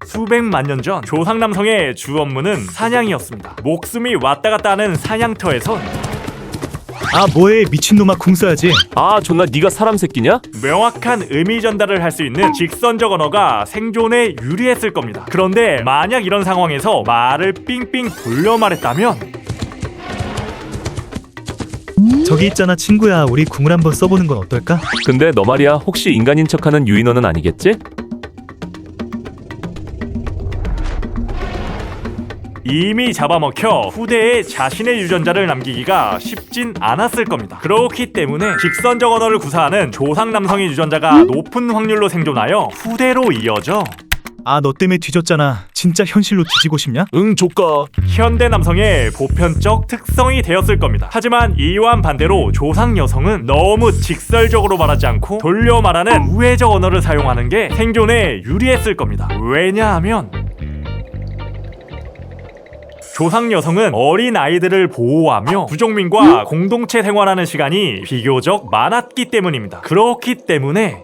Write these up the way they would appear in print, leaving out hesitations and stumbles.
수백만 년 전 조상 남성의 주 업무는 사냥이었습니다. 목숨이 왔다 갔다 하는 사냥터에선 아 뭐해 미친놈아 궁 써야지. 아 존나 네가 사람 새끼냐? 명확한 의미 전달을 할 수 있는 직선적 언어가 생존에 유리했을 겁니다. 그런데 만약 이런 상황에서 말을 삥삥 돌려 말했다면 저기 있잖아 친구야, 우리 궁을 한번 써보는 건 어떨까? 근데 너 말이야 혹시 인간인 척하는 유인원은 아니겠지? 이미 잡아먹혀 후대에 자신의 유전자를 남기기가 쉽진 않았을 겁니다. 그렇기 때문에 직선적 언어를 구사하는 조상 남성의 유전자가 높은 확률로 생존하여 후대로 이어져 아 너 때문에 뒤졌잖아. 진짜 현실로 뒤지고 싶냐? 응 조까. 현대 남성의 보편적 특성이 되었을 겁니다. 하지만 이와는 반대로 조상 여성은 너무 직설적으로 말하지 않고 돌려 말하는 우회적 언어를 사용하는 게 생존에 유리했을 겁니다. 왜냐하면 조상 여성은 어린 아이들을 보호하며 부족민과 공동체 생활하는 시간이 비교적 많았기 때문입니다. 그렇기 때문에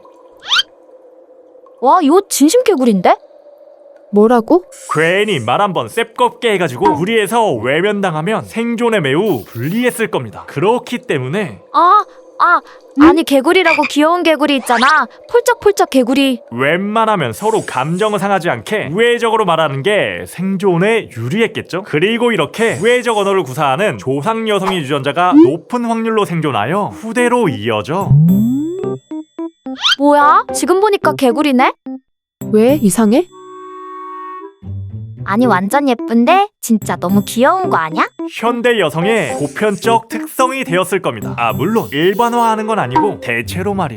와, 이거 진심 개구리인데? 뭐라고? 괜히 말 한번 셉겁게 해가지고 무리해서 외면당하면 생존에 매우 불리했을 겁니다. 그렇기 때문에 아니 개구리라고 귀여운 개구리 있잖아. 폴쩍폴쩍 개구리. 웬만하면 서로 감정을 상하지 않게 우회적으로 말하는 게 생존에 유리했겠죠? 그리고 이렇게 우회적 언어를 구사하는 조상 여성의 유전자가 높은 확률로 생존하여 후대로 이어져 뭐야? 지금 보니까 개구리네? 왜 이상해? 아니 완전 예쁜데? 진짜 너무 귀여운 거 아니야? 현대 여성의 보편적 특성이 되었을 겁니다. 물론 일반화하는 건 아니고 대체로 말이에요.